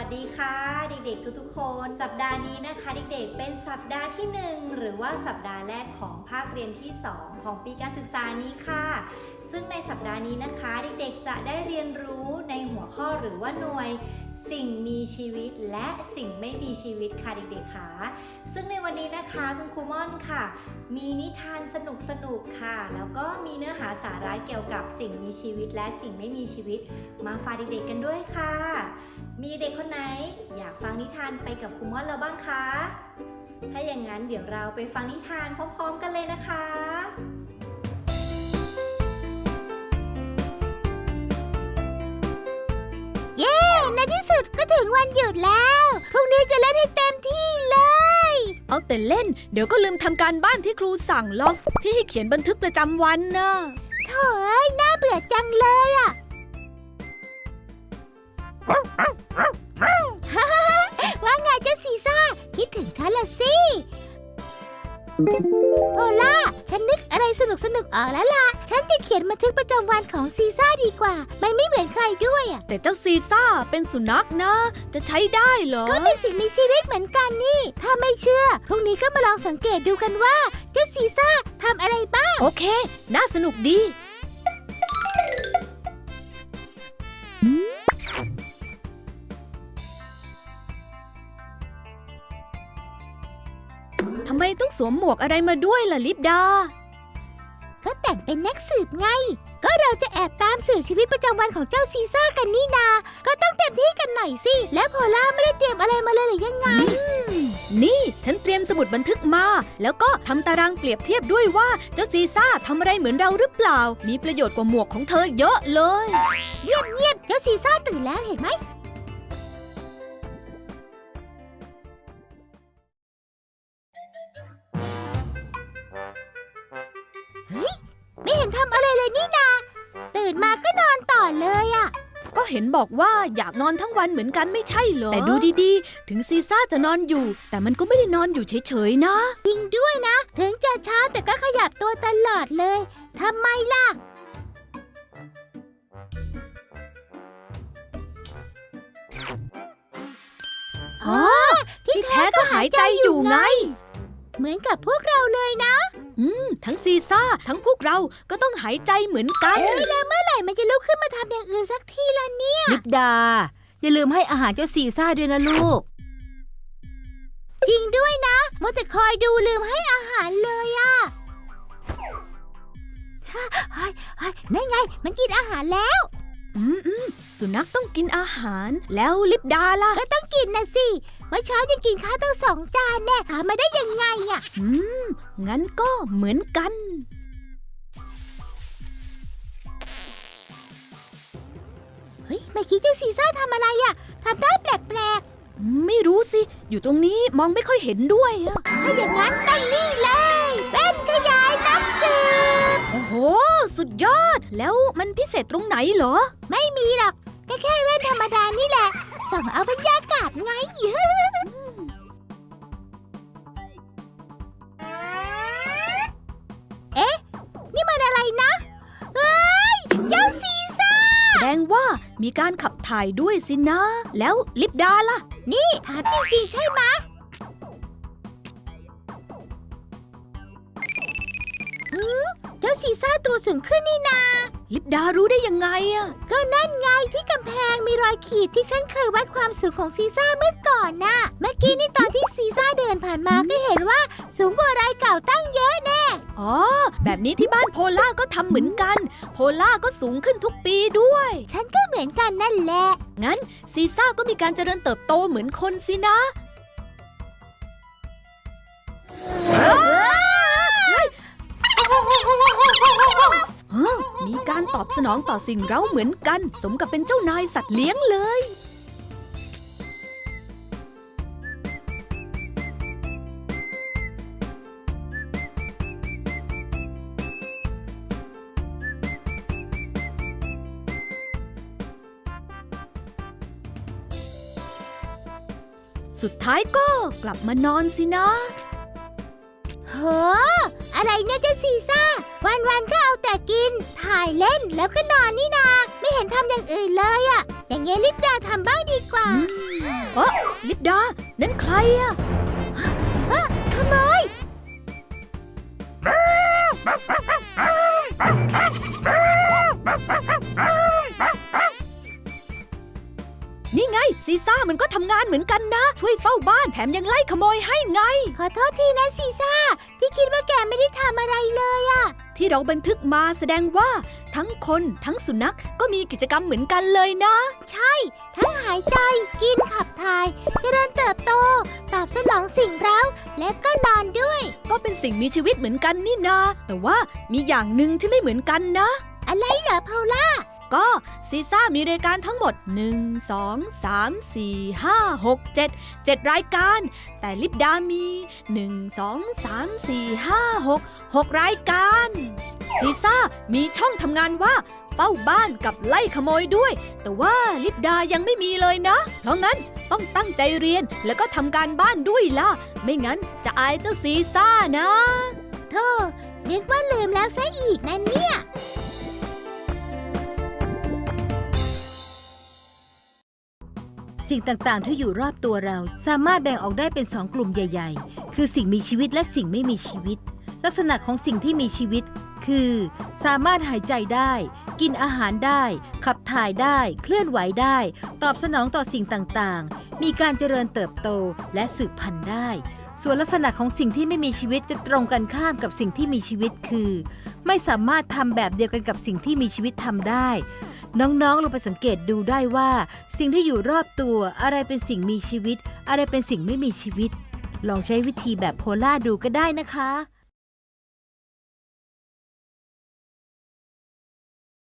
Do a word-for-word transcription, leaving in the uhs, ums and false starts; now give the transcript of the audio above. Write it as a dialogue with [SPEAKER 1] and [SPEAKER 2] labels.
[SPEAKER 1] ดีค่ะเด็กๆทุกๆคนสัปดาห์นี้นะคะเด็กๆเป็นสัปดาห์ที่หนึ่งหรือว่าสัปดาห์แรกของภาคเรียนที่สองของปีการศึกษานี้ค่ะซึ่งในสัปดาห์นี้นะคะเด็กๆจะได้เรียนรู้ในหัวข้อหรือว่าหน่วยสิ่งมีชีวิตและสิ่งไม่มีชีวิตค่ะเด็กๆค่ะซึ่งในวันนี้นะคะคุณครูม่อนค่ะมีนิทานสนุกๆค่ะแล้วก็มีเนื้อหาสาระเกี่ยวกับสิ่งมีชีวิตและสิ่งไม่มีชีวิตมาฝากเด็กๆกันด้วยค่ะมีเด็กคนไหนอยากฟังนิทานไปกับครูม่อนแล้วบ้างคะถ้าอย่างนั้นเดี๋ยวเราไปฟังนิทานพร้อมๆกันเลยนะคะ
[SPEAKER 2] เย้ในที่สุดก็ถึงวันหยุดแล้วพรุ่งนี้จะเล่นให้เต็มที่เลย
[SPEAKER 3] เอาแต่เล่นเดี๋ยวก็ลืมทำการบ้านที่ครูสั่งหรอกที่ให้เขียนบันทึกประจำวันนะ
[SPEAKER 2] โถ่เอ้ยน่าเบื่อจังเลยอ่ะ ว่าไงเจ้าซีซ่าคิดถึงฉันละสิโพล่าฉันนึกอะไรสนุกสนุกออกแล้วล่ะฉันจะเขียนบันทึกประจำวันของซีซ่าดีกว่ามันไม่เหมือนใครด้วยอ่ะ
[SPEAKER 3] แต่เจ้าซีซ่าเป็นสุนัขนะจะใช้ได้เหรอ
[SPEAKER 2] ก็เป็นสิ่งมีชีวิตเหมือนกันนี่ถ้าไม่เชื่อพรุ่งนี้ก็มาลองสังเกตดูกันว่าเจ้าซีซ่าทำอะไรบ้าง
[SPEAKER 3] โอเคน่าสนุกดีทำไมต้องสวมหมวกอะไรมาด้วยล่ะลิปดา
[SPEAKER 2] ก็แต่งเป็นนักสืบไงก็เราจะแอบตามสืบชีวิตประจำวันของเจ้าซีซ่ากันนี่นาก็ต้องเต็มที่กันหน่อยสิและโพล่าไม่ได้เตรียมอะไรมาเลยหรือยังไง
[SPEAKER 3] นี่ฉันเตรียมสมุดบันทึกมาแล้วก็ทำตารางเปรียบเทียบด้วยว่าเจ้าซีซ่าทำอะไรเหมือนเราหรือเปล่ามีประโยชน์กว่าหมวกของเธอเยอะเลย
[SPEAKER 2] เงียบเงียบเจ้าซีซ่าตื่นแล้วเห็นไหมเฮ้ยไม่เห็นทำอะไรเลยนี่นาตื่นมาก็นอนต่อเลยอ่ะ
[SPEAKER 3] ก็เห็นบอกว่าอยากนอนทั้งวันเหมือนกันไม่ใช่เหรอแต่ดูดีๆถึงซีซ่าจะนอนอยู่แต่มันก็ไม่ได้นอนอยู่เฉยๆนะ
[SPEAKER 2] จริงด้วยนะถึงจะช้าแต่ก็ขยับตัวตลอดเลยทำไมล่ะ
[SPEAKER 3] อ๋อที่แท้ก็หายใจอยู่ไง
[SPEAKER 2] เหมือนกับพวกเราเลยนะ
[SPEAKER 3] อืมทั้งซีซ่าทั้งพวกเราก็ต้องหายใจเหมือนกัน
[SPEAKER 2] เอ้ยแล้วเมื่อไหร่มันจะลุกขึ้นมาทำอย่างอื่นสักทีละเนี่ย
[SPEAKER 4] ลิปดาอย่าลืมให้อาหารเจ้าซีซ่าด้วยนะลูก
[SPEAKER 2] จริงด้วยนะมัวแต่คอยดูลืมให้อาหารเลยอะเฮ้ยเฮ้ยนั่นไงมันกินอาหารแล้ว
[SPEAKER 3] อืมอืมสุนัขต้องกินอาหารแล้วลิปดาล่ะ
[SPEAKER 2] ก็ต้องกินนะสิเมื่อเช้ายังกินข้าวตั้งสองจานแน่หามาได้ยังไงอะ
[SPEAKER 3] อืมงั้นก็เหมือนกัน
[SPEAKER 2] เฮ้ยไม่คิดเจ้าซีซ่าทำอะไรอะทำได้แปลก
[SPEAKER 3] ๆไม่รู้สิอยู่ตรงนี้มองไม่ค่อยเห็นด้วยอะ
[SPEAKER 2] ถ้าอย่างนั้นตั้งนี่เลยเป็นขยายนักสืบ
[SPEAKER 3] โอ้โหสุดยอดแล้วมันพิเศษตรงไหนเหรอ
[SPEAKER 2] ไม่มีหรอกแค่แค่แว่นธรรมดานี่แหละส่องเอาบรรยากาศไงเอ๊ะนี่มันอะไรนะเฮ้ยเจ้าซีซ่า
[SPEAKER 3] แสดงว่ามีการขับถ่ายด้วยสินะแล้วลิปดาล่ะ
[SPEAKER 2] นี่ถามจริงๆใช่ไหมอืมเจ้าซีซ่าตัวสูงขึ้นนี่นา
[SPEAKER 3] ลิปดารู้ได้ยังไงอะ
[SPEAKER 2] ก็นั่นไงที่กำแพงมีรอยขีดที่ฉันเคยวัดความสูงของซีซ่าเมื่อก่อนน่ะเมื่อกี้นี่ตอนที่ซีซ่าเดินผ่านมาก็เห็นว่าสูงกว่ารอยเก่าตั้งเยอะแน่
[SPEAKER 3] อ๋อแบบนี้ที่บ้านโพล่าก็ทำเหมือนกันโพล่าก็สูงขึ้นทุกปีด้วย
[SPEAKER 2] ฉันก็เหมือนกันนั่นแหละ
[SPEAKER 3] งั้นซีซ่าก็มีการเจริญเติบโตเหมือนคนสินะมีการตอบสนองต่อสิ่งเร้าเหมือนกันสมกับเป็นเจ้านายสัตว์เลี้ยงเลยสุดท้ายก็กลับมานอนสินะ
[SPEAKER 2] โหอะไรเนี่ยเจ้าซีซ่าวันๆก็เอาแต่กินถ่ายเล่นแล้วก็นอนนี่นาไม่เห็นทำอย่างอื่นเลยอะอย่างเงี้ยลิปดาทำบ้างดีกว่า
[SPEAKER 3] เออลิปดา นั่นใครอะ
[SPEAKER 2] ขโมย
[SPEAKER 3] นี่ไงซีซ่ามันก็ทำงานเหมือนกันนะ ช่วยเฝ้าบ้านแถมยังไล่ขโมยให้ไง
[SPEAKER 2] ขอโทษทีนะซีซ่าที่คิดว่าแกไม่ได้ทำอะไรเลยอะ
[SPEAKER 3] ที่เราบันทึกมาแสดงว่าทั้งคนทั้งสุนัขก็มีกิจกรรมเหมือนกันเลยนะ
[SPEAKER 2] ทั้งหายใจกินขับถ่ายเจริญเติบโต ตอบสนองสิ่งเร้าและก็นอนด้วย
[SPEAKER 3] ก็เป็นสิ่งมีชีวิตเหมือนกันนี่นา แต่ว่ามีอย่างหนึ่งที่ไม่เหมือนกันนะ
[SPEAKER 2] อะไรเหรอพอลล่า
[SPEAKER 3] ก็ซีซ่ามีรายการทั้งหมด หนึ่ง สอง สาม สี่ ห้า หก เจ็ด เจ็ดรายการ แต่ลิปดามี หนึ่ง สอง สาม สี่ ห้า หก หกรายการซีซ่ามีช่องทำงานว่าเฝ้าบ้านกับไล่ขโมยด้วย แต่ว่าลิปดายังไม่มีเลยนะ เพราะงั้นต้องตั้งใจเรียนแล้วก็ทำการบ้านด้วยล่ะ ไม่งั้นจะอายเจ้าซีซ่านะ
[SPEAKER 2] โธ่นึกว่าลืมแล้วซะอีกนะเนี่ย
[SPEAKER 4] สิ่งต่างๆที่อยู่รอบตัวเราสามารถแบ่งออกได้เป็นสองกลุ่มใหญ่ๆ คือสิ่งมีชีวิตและสิ่งไม่มีชีวิต ลักษณะของสิ่งที่มีชีวิตคือสามารถหายใจได้ กินอาหารได้ ขับถ่ายได้ เคลื่อนไหวได้ ตอบสนองต่อสิ่งต่างๆ มีการเจริญเติบโตและสืบพันธุ์ได้ ส่วนลักษณะของสิ่งที่ไม่มีชีวิตจะตรงกันข้ามกับสิ่งที่มีชีวิตคือ ไม่สามารถทำแบบเดียวกันกับสิ่งที่มีชีวิตทำได้ น้องๆลองไปสังเกตดูได้ว่าสิ่งที่อยู่รอบตัวอะไรเป็นสิ่งมีชีวิต อะไรเป็นสิ่งไม่มีชีวิต ลองใช้วิธีแบบโพล่าดูก็ได้นะคะ